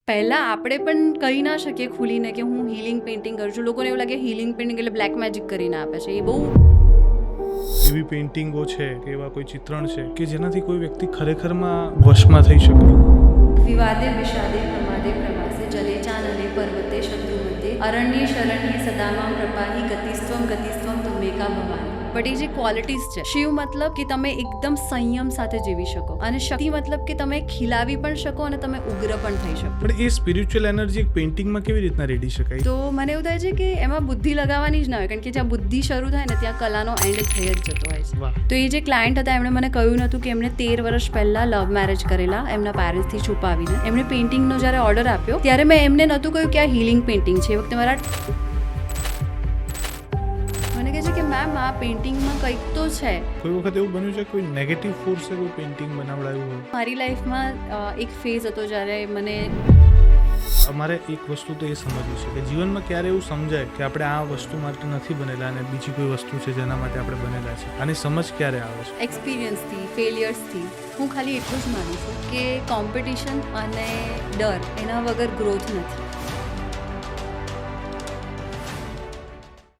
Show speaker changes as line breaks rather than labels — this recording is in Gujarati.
પહેલાં આપણે પણ કહી ના શકીએ ખુલીને કે હું હીલિંગ પેઇન્ટિંગ કરું છું. લોકોને એવું લાગે હીલિંગ પેઇન્ટિંગ એટલે બ્લેક મેજિક કરીને આપે છે. એ બહુ
એવી પેઇન્ટિંગો છે કે એવા કોઈ ચિત્રણ છે કે જેનાથી કોઈ વ્યક્તિ ખરેખરમાં વશમાં થઈ શકે.
વિવાદે વિષાદે પ્રમાદે પ્રવાસે જલે ચાનલે પર્વતે શત્રુમધ્યે અરણ્ય શરણ્ય સદામાં પ્રપાહી ગતિસ્ત્વમ તુમેકા ભવાની. બટ એ જે ક્વોલિટીઝ છે, શિવ મતલબ કે તમે એકદમ સંયમ સાથે જીવી શકો, અને શક્તિ મતલબ કે તમે ખીલાવી પણ શકો અને તમે ઉગ્ર પણ થઈ શકો.
પણ એ સ્પિરિચ્યુઅલ એનર્જી એક પેઇન્ટિંગમાં કેવી રીતના રેડી શકાય?
તો મને એવું થાય છે કે એમાં બુદ્ધિ લગાવવાની જ ના હોય, કારણ કે જ્યાં બુદ્ધિ શરૂ થાય ને ત્યાં કલાનો એન્ડ થઈ જ જતો હોય છે.
વાહ.
તો એ જે ક્લાયન્ટ હતા એમણે મને કહ્યું નહોતું કે એમણે 13 વર્ષ પહેલાં લવ મેરેજ કરેલા એમના પેરેન્ટ્સથી છુપાવીને. એમણે પેઇન્ટિંગનો જ્યારે ઓર્ડર આપ્યો ત્યારે મેં એમને નહોતું કહ્યું કે આ હીલિંગ પેઇન્ટિંગ છે. એ વખતે મારા મને કહે છે કે મેમ આ પેઇન્ટિંગમાં કંઈક તો છે.
કોઈ વખત એવું બન્યું છે કોઈ નેગેટિવ ફોર્સે કોઈ પેઇન્ટિંગ બનાવડાવ્યું હોય?
મારી લાઈફમાં એક ફેઝ હતો જ્યારે મને
અમારે એક વસ્તુ તો એ સમજવી છે કે જીવનમાં ક્યારે એવું સમજાય કે આપણે આ વસ્તુ માટે નથી બનેલા અને બીજી કોઈ વસ્તુ છે જેના માટે આપણે બનેલા છે. આની સમજ ક્યારે આવે છે?
એક્સપિરિયન્સથી, ફેલિયર્સથી હું ખાલી એટલું જ માનું છું કે કોમ્પિટિશન અને ડર એના વગર ગ્રોથ નથી.